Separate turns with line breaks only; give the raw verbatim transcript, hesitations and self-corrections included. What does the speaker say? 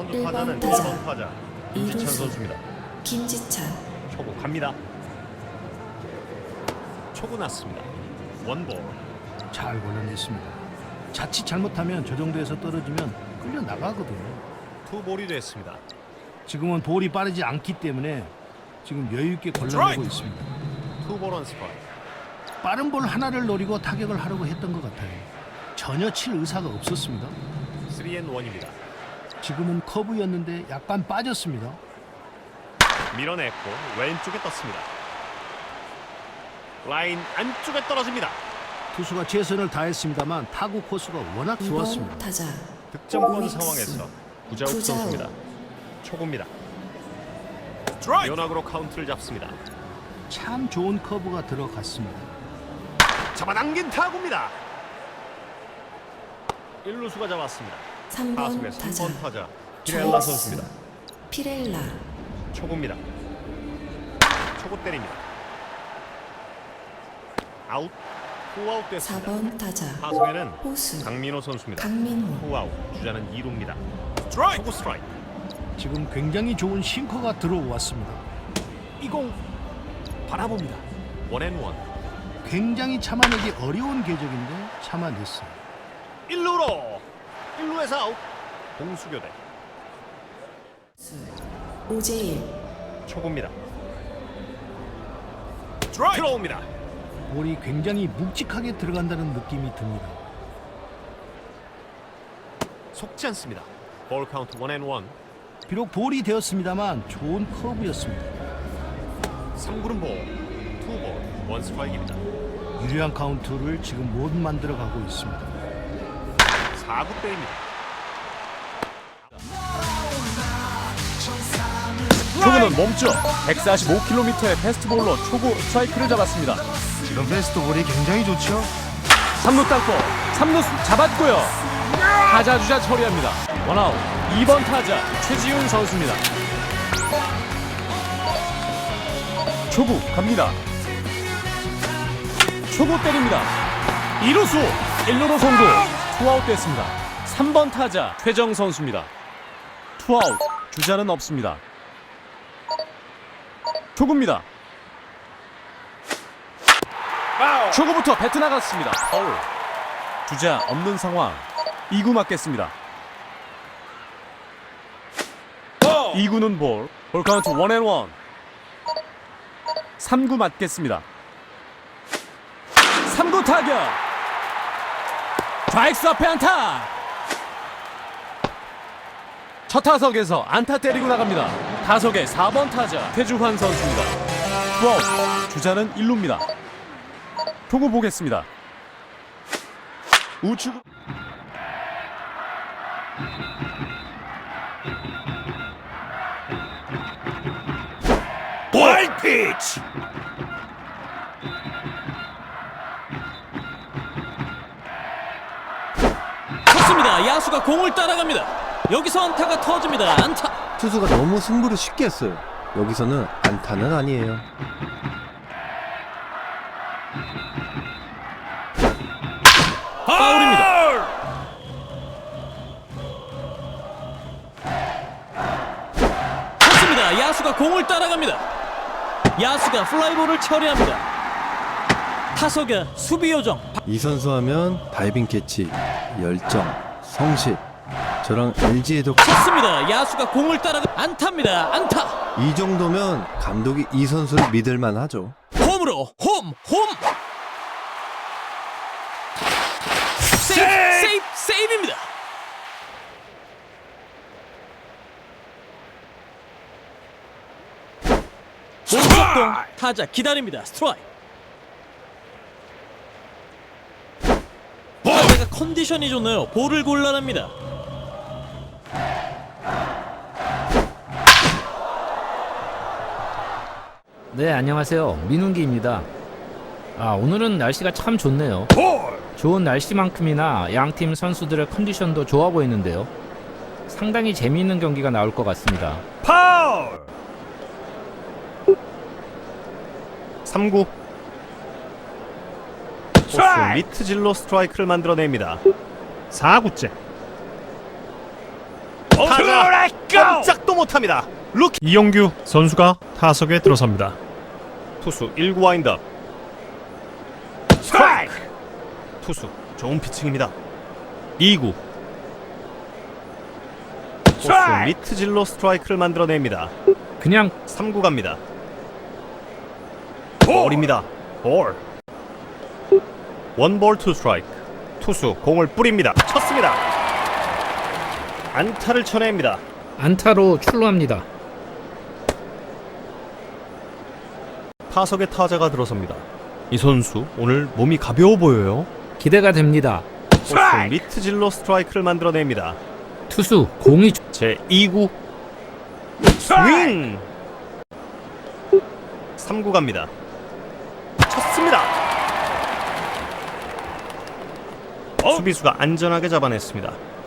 일 번
타자는
타자.
일 번 타자 김지찬
이루수.
선수입니다.
김지찬.
초구 갑니다. 초구 났습니다. 원볼.
잘 골라냈습니다. 자칫 잘못하면 저 정도에서 떨어지면 끌려 나가거든요.
투볼이 됐습니다.
지금은 볼이 빠르지 않기 때문에 지금 여유 있게 골라내고 있습니다.
투볼 원 스트라이크.
빠른 볼 하나를 노리고 타격을 하려고 했던 것 같아요. 전혀 칠 의사가 없었습니다.
쓰리 앤 원입니다.
지금은 커브였는데 약간 빠졌습니다.
밀어냈고 왼쪽에 떴습니다. 라인 안쪽에 떨어집니다.
투수가 최선을 다했습니다만 타구 코스가 워낙
이 번
좋았습니다.
타자.
득점권
오익수.
상황에서 구자욱
구자욱.
선수입니다. 초구입니다. 연락으로 카운트를 잡습니다.
참 좋은 커브가 들어갔습니다.
잡아당긴 타구입니다. 일루수가 잡았습니다.
삼 번
타석의
타자.
삼 번 타자 피렐라 선수입니다.
피렐라.
초구입니다. 초구 때립니다. 아웃. 후아웃
사
됐습니다.
번 타자.
타석에는
호수.
강민호 선수입니다.
강민호.
후아웃. 주자는 이 루입니다. 초구 스트라이크.
지금 굉장히 좋은 싱커가 들어왔습니다. 이 공 바라봅니다.
원앤원.
굉장히 참아내기 어려운 궤적인데 참아냈어요.
일루로. 일루에서 아웃. 공수교대.
오재일.
초구입니다. 들어옵니다.
볼이 굉장히 묵직하게 들어간다는 느낌이 듭니다.
속지 않습니다. 볼 카운트 원앤원.
비록 볼이 되었습니다만 좋은 커브였습니다.
삼 구는 볼. 투 볼. 원 스트라이크입니다.
유리한 카운트를 지금 못 만들어가고 있습니다.
사 구 때입니다.
초구는 멈춰 백사십오 킬로미터의 패스트볼로 초구 스트라이크를 잡았습니다.
지금 패스트볼이 굉장히 좋죠.
삼 루 땅볼 삼 루 잡았고요. 타자 주자 처리합니다. 원아웃. 이 번 타자 최지훈 선수입니다. 초구 갑니다. 초구 때립니다. 이루수 일 루로 송구. 투아웃 됐습니다. 삼 번 타자 최정 선수입니다. 투아웃. 주자는 없습니다. 초구입니다. 초구부터 배트 나갔습니다. 파울. 주자 없는 상황. 이 구 맞겠습니다. 이 구는 볼. 볼 카운트 원앤원. 삼 구 맞겠습니다. 삼 구 타격. 좌익수 앞에 안타. 첫 타석에서 안타 때리고 나갑니다. 타석의 사 번 타자 최주환 선수입니다. 투아웃. 주자는 일 루입니다. 초구 보겠습니다. 우측.
와이드 피치.
쳤습니다. 야수가 공을 따라갑니다. 여기서 안타가 터집니다. 안타.
투수가 너무 승부를 쉽게 했어요. 여기서는 안타는 아니에요.
파울입니다. 쳤습니다. 야수가 공을 따라갑니다. 야수가 플라이볼을 처리합니다. 타석의 수비 요정.
이 선수 하면 다이빙 캐치, 열정, 성실. 저랑 엘지에도
쳤습니다. 야수가 공을 따라가 안타입니다. 안타.
이 정도면 감독이 이 선수를 믿을만 하죠.
홈으로 홈 홈. 세이브 세이브 세이브입니다. 몸속동 타자 기다립니다. 스트라이크. 타자가 컨디션이 좋네요. 볼을 골라냅니다.
네, 안녕하세요. 민웅기입니다. 아, 오늘은 날씨가 참 좋네요. 좋은 날씨만큼이나 양팀 선수들의 컨디션도 좋아 보이는데요. 상당히 재미있는 경기가 나올 것 같습니다.
파울. 삼 구. 호수 미트질로 스트라이크를 만들어냅니다. 사 구째. 타자 못합니다. 루키 이용규 선수가 타석에 들어섭니다. 투수 일 구 와인드업. 스트라이크. 투수 좋은 피칭입니다. 이 구. 투수 미트질로 스트라이크를 만들어냅니다.
그냥
삼 구 갑니다. 볼입니다. 볼. 원볼 투 스트라이크. 투수 공을 뿌립니다. 쳤습니다. 안타를 쳐냅니다.
안타로 출루합니다.
타석에 타자가 들어섭니다. 이 선수 오늘 몸이 가벼워 보여요.
기대가 됩니다.
투수 미트질로 스트라이크를 만들어냅니다.
투수 공이 좋-
제 이 구 스윙. 삼 구 갑니다. 쳤습니다. 수비수가 안전하게 잡아냈습니다.